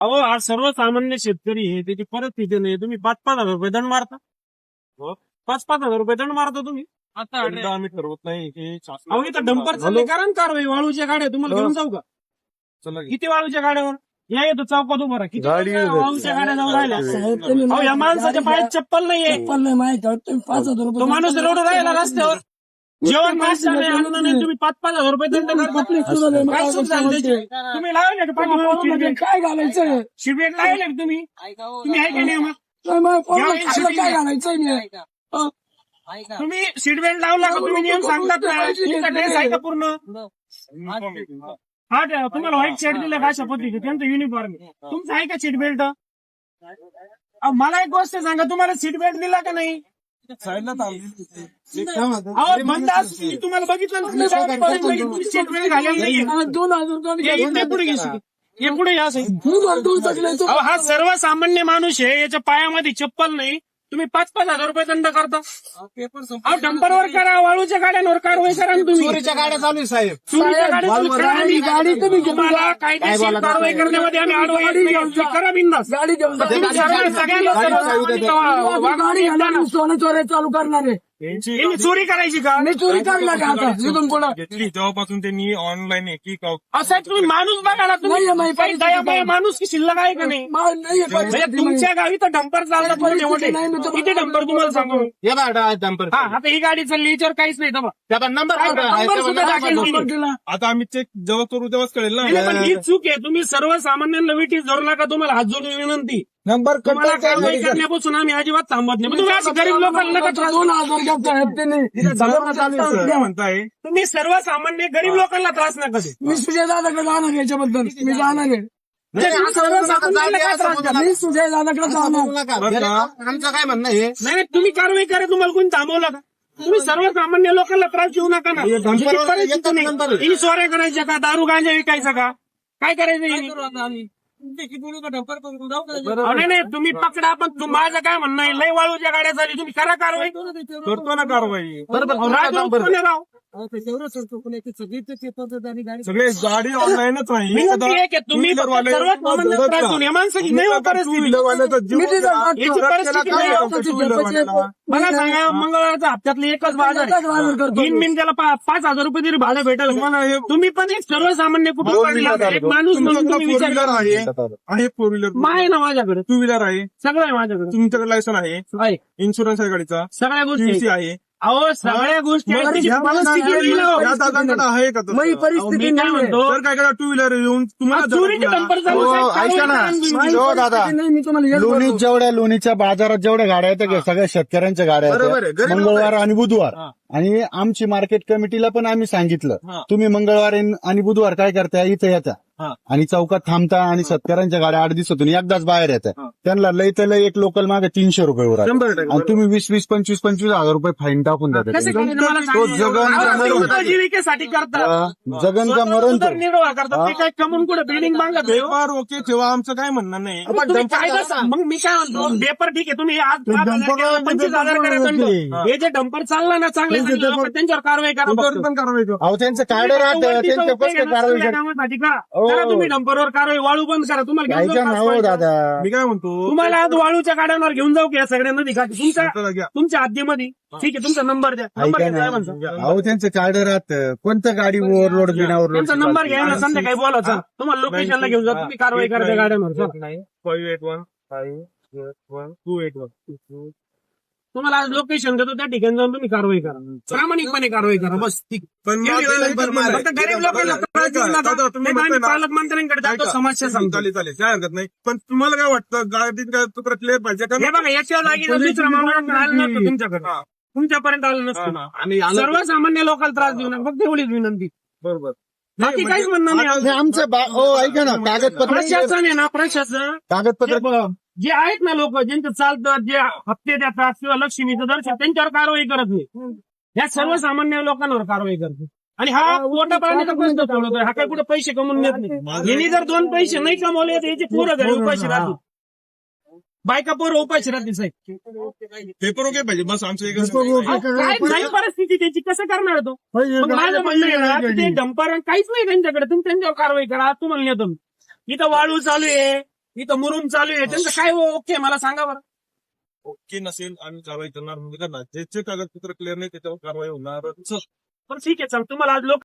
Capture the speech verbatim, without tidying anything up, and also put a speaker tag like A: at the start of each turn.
A: अहो हा सर्वसामान्य शेतकरी आहे, त्याची परिस्थिती नाही. तुम्ही पाच पाच हजार रुपये दंड मारता. पाच पाच हजार रुपये दंड मारता तुम्ही. आता आम्ही ठरवत नाही हे शासन- अहो इथं डंपर चालले करा ना कारवाई. वाळूच्या गाड्या तुम्हाला घेऊन जाऊ का?
B: चला
A: किती वाळूच्या गाड्यावर या येतो चौकात उभं राहा. किती
B: गाडी-
A: वाळूच्या गाड्या जाऊन राहिल्या. अहो या माणसाच्या पायात चप्पल नाहीये.
C: चप्पल नाही माहिती आहे, तुम्ही पाच हजार रुपये
A: तो माणूस रडू राहिला रस्त्यावर. जेवण नाश्ता नाही, अन्न नाही, तुम्ही पाच पाच हजार रुपये दंड करता. काय चूक झाली त्याची? तुम्ही लावले का पाठीमागे
C: काय घालायचं
A: शिबिर लावले का तुम्ही? तुम्ही आहे का नाही मग?
C: काय घालायचं नाही.
A: तुम्ही सीट बेल्ट लावला का? तुम्ही नियम सांगतात ना. तुमचा ड्रेस आहे का पूर्ण? हा द्या. तुम्हाला व्हाईट शर्ट दिलं का अशा पद्धतीने? त्यांचं युनिफॉर्म तुमचं आहे का सीट बेल्ट? मला एक गोष्ट सांगा, तुम्हाला सीट बेल्ट दिला का नाही?
B: साईडला
A: अहो बंद असू दे. तुम्हाला बघितलं ना, तुम्ही सीट बेल्ट घालेलं नाही.
C: दोन हजार
A: हे इथे पुढे घेशील. हे पुढे या साईड.
C: रुपये
A: अहो हा सर्वसामान्य माणूस आहे, याच्या पायामध्ये चप्पल नाही. तुम्ही पाच पाच हजार रुपये दंड करता. अहो डंपरवर करा, वाळूच्या गाड्यांवर कारवाई करा ना तुम्ही.
B: चोरीच्या गाड्या चालू आहे साहेब.
A: चोरीच्या गाड्या तुम्ही करा.
C: गाडी गाडी तुम्ही घेऊन
A: तुम्हाला
C: जा.
A: कायदेशीर कारवाई करण्यामध्ये आम्ही आडवा येत नाही. करा बिंदास.
C: गाडी घेऊन जा.
A: तुम्ही सगळ्या सगळ्यांना सर्वसामान्य
C: गाडी घालून सोनं चोऱ्या चालू करणार आहे.
A: यांनी चोरी करायची का?
C: मी चोरी करणार का आता इथून पुढं?
B: घेतली तेव्हापासून त्यांनी ऑनलाईन आहे की का
A: असं आहे, तुम्ही माणूस बघा ना. तुम्ही
C: नाही, नाही,
A: काही दयामय माणूस की शिल्लक आहे का नाही?
C: मा- नाहीये
A: म्हणजे
C: परिस्थिती नाही.
A: तुमच्या गावी तर डंपर चालतात मोठे मोठे.
C: नाही, मी तुम्हाला-
A: किती डंपर तुम्हाला सांगू?
B: हे डंपर
A: हा आता ही गाडी चालली, याच्यावर काहीच नाही. दबा.
B: त्याचा नंबर
A: काय नंबर सुद्धा टाकेल नाही.
C: नंबर दिला.
B: आता आम्ही चेक जेव्हा करू तेव्हाच कळेल
A: नाही, पण
B: ना.
A: ही चूक आहे. तुम्ही सर्वसामान्यांना विटीस धरू नका. तुम्हाला हात जोडून विनंती.
B: नंबर
A: तुम्हाला कारवाई करण्यापासून आम्ही अजिबात थांबत नाही. पण तुम्ही असं गरीब लोकांना नका त्रास
C: दोन हजार घेत आहेत त्यांनी.
B: तुम्ही म्हणताय
A: तुम्ही सर्वसामान्य गरीब लोकांना त्रास नका देऊ.
C: मी सुजय दादाकडे जाणार याच्याबद्दल. मी जाणार आहे.
A: म्हणजे तुम्ही सर्वसामान्यांना काय त्रास द्या?
C: मी सुजय दादाकडे जाणार.
B: बरं का? आमचं काय म्हणणं आहे
A: नाही नाही, तुम्ही कारवाई करा. तुम्हाला कोणी थांबवलं का? तुम्ही सर्वसामान्य लोकांना त्रास देऊ नका ना.
B: डंपरवर
A: परिस्थिती
B: येतात
A: नाही.
B: नंबर.
A: हिने चोऱ्या करायच्या का? दारू गांजा विकायचा का? काय करायचं हिने? अहो, नाही नाही, तुम्ही पकडा. पण तुम- माझं काय म्हणणं आहे, लय वाळूच्या गाड्या झाली, तुम्ही करा कारवाई.
B: करतो ना कारवाई.
A: अहो, राजभाऊ कोण आहे राव?
B: सगळे गाडी ऑनलाईनच आहे.
A: मी म्हणते आहे की तुम्ही फक्त सर्वसामान्य त्रास देऊन या माणसाची नाही हो परिस्थिती.
C: मी तिथं जातो.
A: याची परिस्थिती नाही हो. मला सांगा, मंगळवारचा हप्त्यातले एकच बाजार
C: एकच बाजार
A: आहे.
C: करतो.
A: तीन मिनिटाला पा- पाच हजार रुपये तरी भाडं भेटेल. तुम्ही पण एक सर्वसामान्य कुटुंबातील एक माणूस म्हणून तुम्ही
B: फोर
A: विचार
B: व्हीलर
A: करा.
B: आहे आहे फोर व्हीलर
A: मग आहे ना माझ्याकडे,
B: टू व्हीलर आहे.
A: सगळं आहे माझ्याकडे.
B: तुमच्याकडे लायसन आहे,
A: आहे.
B: इन्शुरन्स आहे गाडीचा,
A: सगळ्या गोष्टी
B: पीयूसी
A: आहेत.
B: आहे.
A: अहो सगळ्या गोष्टी आहेत. त्याची
B: या
A: परिस्थिती नाही हो.
B: या दादांकडे आहे का तसं?
C: मग ही
A: अहो,
C: परिस्थिती
A: मी काय
C: नाही.
A: म्हणतो,
B: तर काय करा, टू व्हीलर येऊन तुम्हाला
A: चोरीचे डंपर चालू
D: हो,
A: साहेब,
D: ऐका
A: कारवाई
D: ना.
A: करा ना तुम्ही.
D: हो दादा,
C: नाही, मी तुम्हाला हेच
D: लोणी
C: बोलतो.
D: जेवढ्या लोणीच्या बाजारात जेवढ्या गाड्या आहेत त्या सगळ्या शेतकऱ्यांच्या गाड्या
B: बरोबर आहे.
D: आहेत
B: गरीब लोक
D: मंगळवार आणि बुधवार.
B: हा.
D: आणि आमची मार्केट कमिटीला पण आम्ही सांगितलं,
B: हा.
D: तुम्ही मंगळवार आणि बुधवार काय करताय, इथे येता
B: हा.
D: आणि चौकात थांबता आणि शेतकऱ्यांच्या गाड्या आठ दिवसातून एकदाच बाहेर येतात.
B: हा.
D: त्यांना लय तर लय एक लोकल मागे तीनशे रुपये वर आहे.
B: शंभर टक्के
D: आणि तुम्ही वीस वीस पंचवीस पंचवीस हजार रुपये फाईन टाकून
A: कसं
D: देता.
A: काय मला
D: तो
A: सांगा.
D: जगन
A: अहो, ते
D: मरण
A: उपजीविकेसाठी करतात.
D: जगन का मरण तो.
A: उदरनिर्वाह करतात. ते काय कमून कुठे बिल्डिंग बांधत आहे हो?
B: पेपर ओके ठेवा, आमचं काय म्हणणं नाही.
A: मग तुम्ही कायदा सांग. मग मी काय म्हणतो, पेपर ठीक आहे, तुम्ही आज पाच हजार केला, पंचवीस हजार करा दंड. हे जे डंपर चालला ना चांगले चांगले लोकं, त्यांच्यावर कारवाई करा फक्त.
B: पण कारवाई करू.
D: अहो त्यांचं कार्ड राहतं, त्यांच्या कसं कारवाई करतात.
A: कामासाठी का
D: हो.
A: करा तुम्ही डंपरवर कारवाई. वाळू बंद करा. तुम्हाला घेऊन
D: ऐका
A: जाऊ
D: ना
A: का
D: हो
A: आज
D: दादा.
B: मी काय म्हणतो,
A: तुम्हाला आज वाळूच्या गाड्यांवर घेऊन जाऊ की या सगळ्या नदी घाटी तुमच्या
B: चला घ्या.
A: तुमच्या हद्दीमध्ये. ठीक आहे, तुमचा नंबर द्या. नंबर
D: ऐका
A: घ्या, काय
D: ना,
A: म्हणता?
D: अहो त्यांचं कार्ड राहतं, कोणत्या गाडी ओव्हरलोड बिना ओव्हरलोड.
A: त्यांचा नंबर घ्या ना, संध्याकाळी बोला. चल, तुम्हाला लोकेशनला घेऊन जा. तुम्ही कारवाई करा त्या गाड्यांवर. चल.
B: Five eight one five eight one two eight one
A: तुम्हाला आज लोकेशन देतो, त्या ठिकाणी जाऊन तुम्ही कारवाई करा. प्रामाणिकपणे कारवाई करा. बस ठीक.
B: पण
A: एवढी
B: माझं
A: वेळ
B: नंबर
A: फक्त
B: मारा.
A: गरीब लोकांना त्रास देऊ नका.
B: दादा, तुम्ही
A: नाही तर आम्ही
B: म्हणताय ना-
A: पालकमंत्र्यांकडे जातो,
B: ऐका.
A: समस्या सांगतो.
B: चालेल चालेल, काय हरकत नाही. पण तुम्हाला काय वाटतं, गाडीत काय तुकडा क्लिअर पाहिजे का?
A: हे बघा, याच्या जागी जर दुसरा माणूस आलं नसतं तुमच्याकडे,
B: हा.
A: तुमच्यापर्यंत आलं
B: हा,
A: नसतं.
B: हा. आणि आलं-
A: सर्वसामान्य लोकांना त्रास देऊ नका. फक्त एवढीच विनंती.
B: बरोबर.
A: बाकी काहीच म्हणणं नाही.
D: हे आमचं बा- हो ऐका ना, कागदपत्र
A: प्रशासन आहे ना, प्रशासन
D: कागदपत्र
A: जे- जे आहेत ना लोक, ज्यांचं चालतं, जे हप्ते देतात किंवा लक्ष्मीचं दर्शन, त्यांच्यावर कारवाई करत नाही. या सर्वसामान्य लोकांवर कारवाई करते. आणि हा पोटा पाण्याचा प्रश्न सोडवतोय. हा काही कुठे पैसे कमवून येत नाही. यांनी जर दोन पैसे नाही कमवले तर याचे पोरं घरी उपाशी राहतील. बायका पोरं उपाशी राहतील साहेब.
B: पेपर ओके पाहिजे, बस आमचं एकच
A: अहो, काय नाही परिस्थिती त्याची, कसं करणार तो? मग माझं म्हणणं आहे ना, की ते डंपर काहीच नाही त्यांच्याकडे. तुम्ही त्यांच्यावर कारवाई करा. तुम्हाला नेतो मी. इथं वाळू चालू आहे, इथं मुरुम चालू आहे त्यांचं काय ओके मला सांगा बरं.
B: ओके नसेल आम्ही कारवाई करणार म्हणजे करणार ज्याचे कागदपत्र क्लिअर नाही त्याच्यावर कारवाई होणार
A: पण ठीक आहे चल तुम्हाला आज लोक